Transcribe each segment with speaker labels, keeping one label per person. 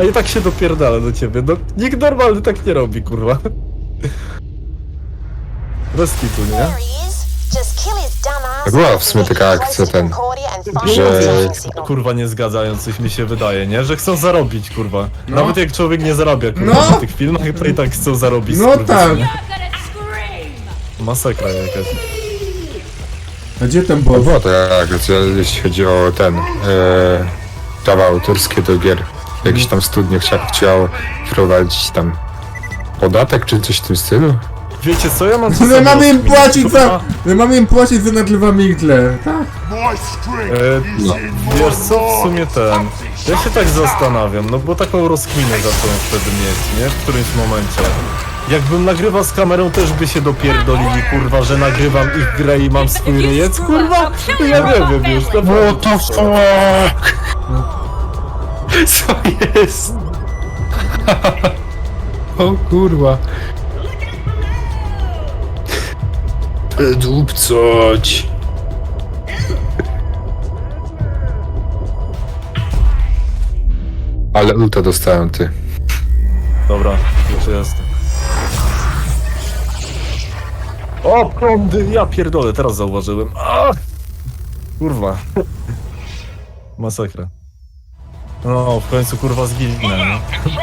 Speaker 1: A i tak się dopierdala do ciebie. No, nikt normalny tak nie robi, kurwa. Bez kitu, nie?
Speaker 2: To była w sumie taka akcja że...
Speaker 1: Kurwa nie zgadzają, coś mi się wydaje, nie? Że chcą zarobić, kurwa.
Speaker 3: No.
Speaker 1: Nawet jak człowiek nie zarabia, kurwa,
Speaker 3: No.
Speaker 1: w tych filmach, to i tak chcą zarobić.
Speaker 3: No
Speaker 1: kurwa,
Speaker 3: tak.
Speaker 1: nie? Masakra jakaś.
Speaker 3: A gdzie ten
Speaker 2: No
Speaker 3: boss?
Speaker 2: było to akcja, jeśli chodzi o prawa autorskie do gier. Jakiś tam studnie chciał wprowadzić tam podatek czy coś w tym stylu.
Speaker 1: Wiecie co, ja mam
Speaker 3: My
Speaker 1: czasami
Speaker 3: mamy im
Speaker 1: rozkminę,
Speaker 3: płacić
Speaker 1: kurwa.
Speaker 3: za... My mamy im płacić za nadlewamy igle, tak?
Speaker 1: No. Wiesz co, w sumie ja się tak zastanawiam, no bo taką rozkminę zacząłem wtedy mieć, nie? W którymś momencie. Jakbym nagrywał z kamerą, też by się dopierdolili, kurwa, że nagrywam ich grę i mam swój rejestr, kurwa? To ja nie wiem już, to było to
Speaker 2: fuck? Co jest? O kurwa. Dupcoć. Ale ulta dostałem, ty.
Speaker 1: Dobra, już jestem. O, prądy, ja pierdolę, teraz zauważyłem. Kurwa. Masakra. No, w końcu kurwa zginę, nie?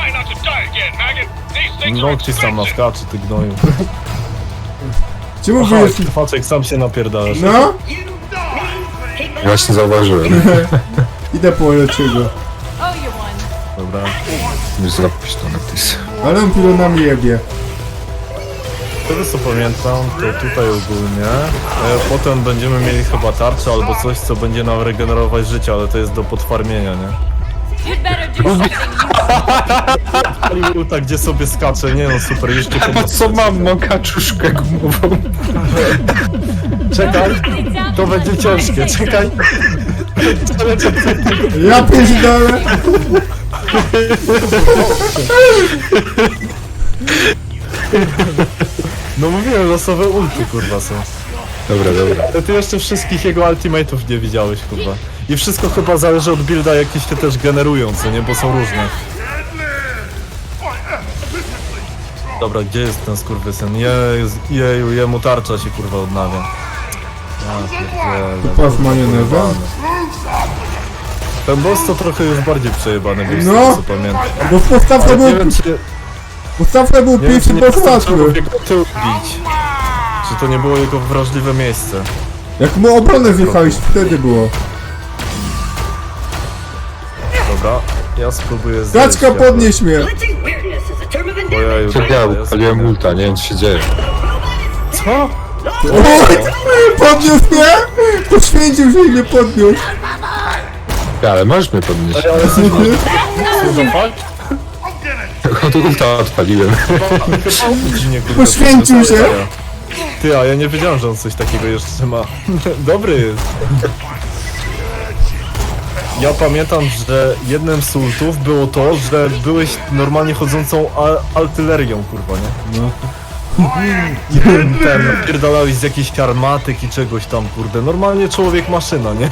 Speaker 1: No, ci sam naskaczy, ty gnoju.
Speaker 3: Czemu wy
Speaker 1: Aha,
Speaker 3: jest...
Speaker 1: Faczek sam się napierdalasz.
Speaker 3: No?
Speaker 2: Właśnie zauważyłem.
Speaker 3: Idę po lepszego.
Speaker 1: Dobra.
Speaker 2: Już zrobić to napis.
Speaker 3: Ale on pilonami jebie.
Speaker 1: Tego co pamiętam, to tutaj ogólnie. Potem będziemy mieli chyba tarczę albo coś, co będzie nam regenerować życie, ale to jest do podfarmienia, nie? Tak, gdzie sobie skacze, nie no super, jeszcze
Speaker 2: Po co mam kaczuszkę gumową?
Speaker 1: Czekaj, to będzie ciężkie, czekaj.
Speaker 3: Ja pierdolę!
Speaker 1: No mówiłem, losowe ulty kurwa są.
Speaker 2: Dobra, dobra.
Speaker 1: Ale ty jeszcze wszystkich jego ultimate'ów nie widziałeś, kurwa. I wszystko chyba zależy od builda, jakieś się też generują, co nie? Bo są różne. Dobra, gdzie jest ten skurwysyn? Jeju, jemu tarcza się kurwa odnawia. Ja pierdzielę.
Speaker 3: Kupa z majonezem?
Speaker 1: Ten boss to trochę już bardziej przejebany był, z
Speaker 3: No.
Speaker 1: tego co pamiętam.
Speaker 3: Bo w podstawce
Speaker 1: Ale
Speaker 3: był...
Speaker 1: nie wiem, czy
Speaker 3: Podstawce był pierwszy boss
Speaker 1: wystarczyło
Speaker 3: łatwy.
Speaker 1: jego tył bić. Czy to nie było jego wrażliwe miejsce?
Speaker 3: Jak mu obronę zjechałeś, wtedy było.
Speaker 1: Dobra, ja spróbuję zejść.
Speaker 3: Kaczka, podnieś mnie!
Speaker 1: Ojeju,
Speaker 2: Co
Speaker 1: dobra,
Speaker 2: ja
Speaker 1: ja
Speaker 2: paliłem
Speaker 1: spróbuję.
Speaker 2: ulta, nie wiem co się dzieje.
Speaker 1: Co?
Speaker 3: Oj! Podniósł mnie! Poświęcił się i mnie podniósł.
Speaker 2: Ale możesz mnie podnieść.
Speaker 1: Ale słucham, fakt?
Speaker 2: Od ulta odpaliłem.
Speaker 3: Poświęcił się.
Speaker 1: Ty, a ja nie wiedziałem, że on coś takiego jeszcze ma. Dobry jest. Ja pamiętam, że jednym z ultów było to, że byłeś normalnie chodzącą artylerią, kurwa, nie?
Speaker 3: No.
Speaker 1: I napierdalałeś z jakiejś armatyk i czegoś tam, kurde. Normalnie człowiek maszyna, nie?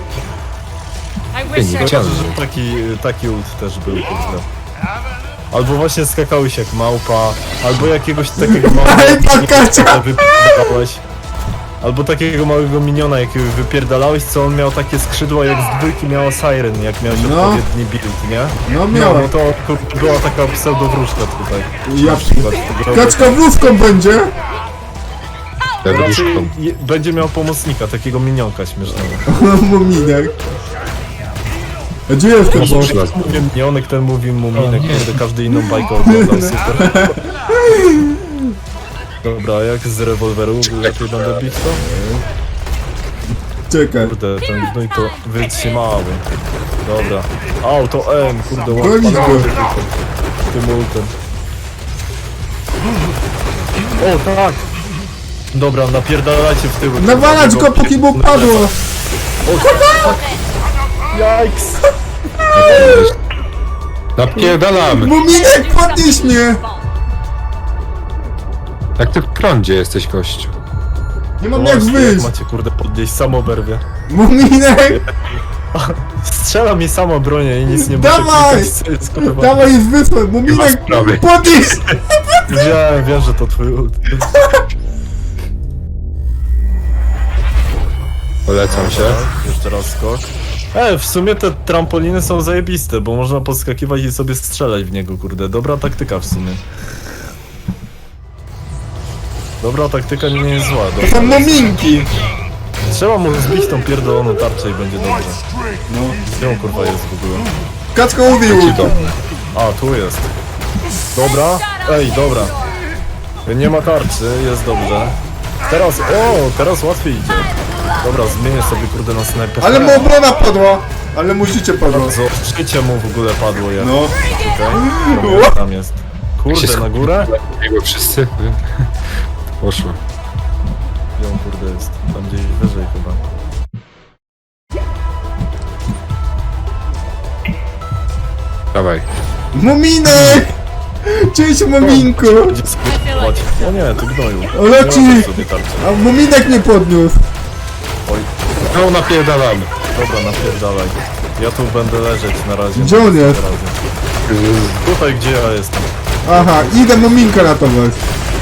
Speaker 2: Nie
Speaker 1: Kojarzę,
Speaker 2: chciałem.
Speaker 1: że taki ult też był, kurde. Albo właśnie skakałeś jak małpa, albo jakiegoś takiego
Speaker 3: Ej,
Speaker 1: małego
Speaker 3: pakacia!
Speaker 1: wypierdalałeś. Albo takiego małego miniona jakiegoś wypierdalałeś, co on miał takie skrzydła jak z dwójki miała Siren, jak miałeś
Speaker 3: No.
Speaker 1: odpowiedni build, nie?
Speaker 3: No
Speaker 1: No,
Speaker 3: miałem.
Speaker 1: no to kurde, była taka pseudowróżka tutaj.
Speaker 3: Ja...
Speaker 1: Na przykład tego
Speaker 3: Kaczka wróżką będzie!
Speaker 2: Raduszką.
Speaker 1: będzie miał pomocnika, takiego minionka śmiesznego.
Speaker 3: Muminek. A gdzie jest ten boss?
Speaker 1: Minionek ten mówi muminek, kurde, każdy inną bajkę oglądał, super. Dobra, jak z rewolweru lepiej będę bić to?
Speaker 3: Czekaj.
Speaker 1: Kurde, ten gnój to wytrzymały. Dobra. Au, to M, kurde,
Speaker 3: Gonić go.
Speaker 1: tym ultem. O, tak! Dobra, napierdalajcie w tył.
Speaker 3: Nawalać go, póki mu padło!
Speaker 1: Jajks!
Speaker 2: Napierdalam!
Speaker 3: Muminek, podnieś mnie!
Speaker 2: Jak ty w prądzie jesteś, gościu?
Speaker 3: Nie mam
Speaker 1: No
Speaker 3: jak
Speaker 1: właśnie, jak
Speaker 3: wyjść!
Speaker 1: macie kurde podnieść, sam oberwie.
Speaker 3: Muminek!
Speaker 1: Strzela mi samo bronię i nic nie muszę
Speaker 3: Dawaj!
Speaker 1: klikać, co jest, kurwa.
Speaker 3: Dawaj, jest wysłać, Muminek,
Speaker 2: sprawy.
Speaker 3: podnieś!
Speaker 1: Wiem, że to twój ult.
Speaker 2: Polecam się.
Speaker 1: Jeszcze raz skok. W sumie te trampoliny są zajebiste, bo można podskakiwać i sobie strzelać w niego, kurde. Dobra taktyka w sumie. Dobra taktyka nie jest zła.
Speaker 3: To
Speaker 1: Dobra.
Speaker 3: są muminki!
Speaker 1: Trzeba mu zbić tą pierdoloną tarczę i będzie dobrze.
Speaker 3: No.
Speaker 1: Gdzie on kurwa jest w ogóle?
Speaker 3: Kaczka ubił!
Speaker 2: Ci to.
Speaker 1: A, tu jest. Dobra. Dobra. Nie ma tarczy, jest dobrze. Teraz łatwiej idzie. Dobra, zmienię sobie kurde na snajpera.
Speaker 3: Ale mu obrona padła! Ale mu życie padło.
Speaker 1: Życie mu w ogóle padło jak.
Speaker 3: No.
Speaker 1: Okej. Tam jest. Kurde, na górę?
Speaker 2: Jakby wszyscy. Poszło.
Speaker 1: Gdzie on kurde jest? Tam gdzieś wyżej chyba.
Speaker 2: Dawaj.
Speaker 3: Muminek! Cześć, Muminku!
Speaker 1: Gdzie sobie chodź. O nie, ty gnoju.
Speaker 3: O, leci!
Speaker 1: Nie ma sobie tarczy.
Speaker 3: A Muminek nie podniósł!
Speaker 1: Oj,
Speaker 2: No napierdalamy.
Speaker 1: dobra, napierdalaj. Ja tu będę leżeć na razie.
Speaker 3: Gdzie on jest?
Speaker 1: Na razie. Tutaj, gdzie ja jestem.
Speaker 3: Aha, idę Muminka ratować.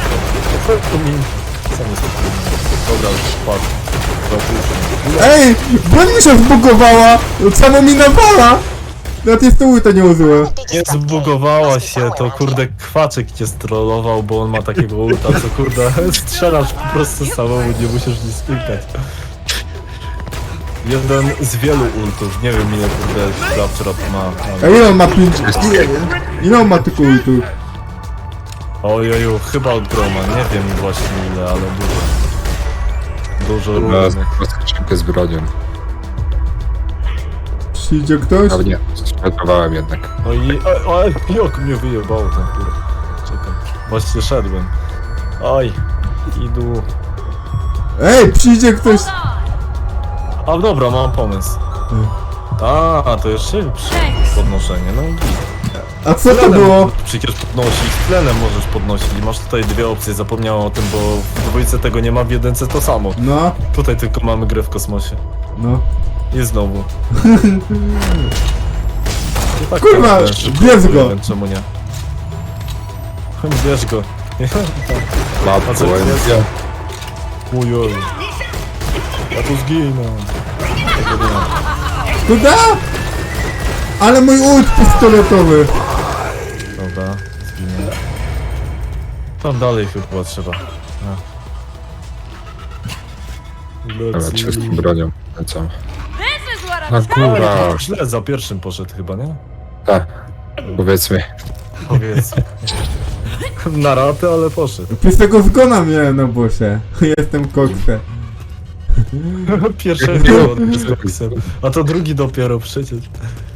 Speaker 1: Sam jest dobra, spadł. Dobra,
Speaker 3: Ej! Broń mi się zbugowała! Samo mi nawala! Na tej stół to nie użyłem.
Speaker 1: nie zbugowała się, to kurde kwaczek cię strollował, bo on ma takiego ulta, co kurde strzelasz po prostu samemu, nie musisz nic klikać. Jeden z wielu ultów, nie wiem ile kurde Claptrap ma.
Speaker 3: A
Speaker 1: Ale...
Speaker 3: ile on ma 5? Ile on ma tylko ultu?
Speaker 1: Ojeju, chyba od groma, nie wiem właśnie ile, ale dużo. Dużo
Speaker 2: Na
Speaker 1: różnych.
Speaker 2: skrzynkę z bronią.
Speaker 3: Przyjdzie ktoś?
Speaker 2: Ale nie, stratowałem jednak.
Speaker 1: No i... Jak mnie wyjebało ten kurde. Czekaj, właśnie szedłem. Oj, idu.
Speaker 3: Ej, przyjdzie ktoś!
Speaker 1: A dobra, mam pomysł. A, to jest szybsze podnoszenie, no git.
Speaker 3: A co to było?
Speaker 1: Przecież podnosić, tlenem możesz podnosić. Masz tutaj dwie opcje, zapomniałem o tym, bo w dwójce tego nie ma, w jedynce to samo.
Speaker 3: No,
Speaker 1: Tutaj tylko mamy grę w kosmosie.
Speaker 3: no.
Speaker 1: I znowu. I tak
Speaker 3: Kurwa,
Speaker 1: ten szybko
Speaker 3: bierz
Speaker 1: płynie,
Speaker 3: go.
Speaker 1: więc czemu nie? Bierz go.
Speaker 2: Matko,
Speaker 1: A co jest?
Speaker 2: ja.
Speaker 1: Ujoj. Ja tu zginę. Tego nie ma.
Speaker 3: Kuda? Ale mój ult pistoletowy.
Speaker 1: Dobra, zginę. Tam dalej chyba trzeba.
Speaker 2: Dobra, cię z tą bronią. Lecą.
Speaker 4: This is what
Speaker 2: Na
Speaker 4: I'm
Speaker 2: górę.
Speaker 1: Źle za pierwszym poszedł chyba, nie?
Speaker 2: Tak. Powiedzmy.
Speaker 1: Powiedz. Na ratę, ale poszedł.
Speaker 3: Przez tego zgona miałem na bosie. Jestem koksem.
Speaker 1: Pierwszego z koksem. A to drugi dopiero przecież.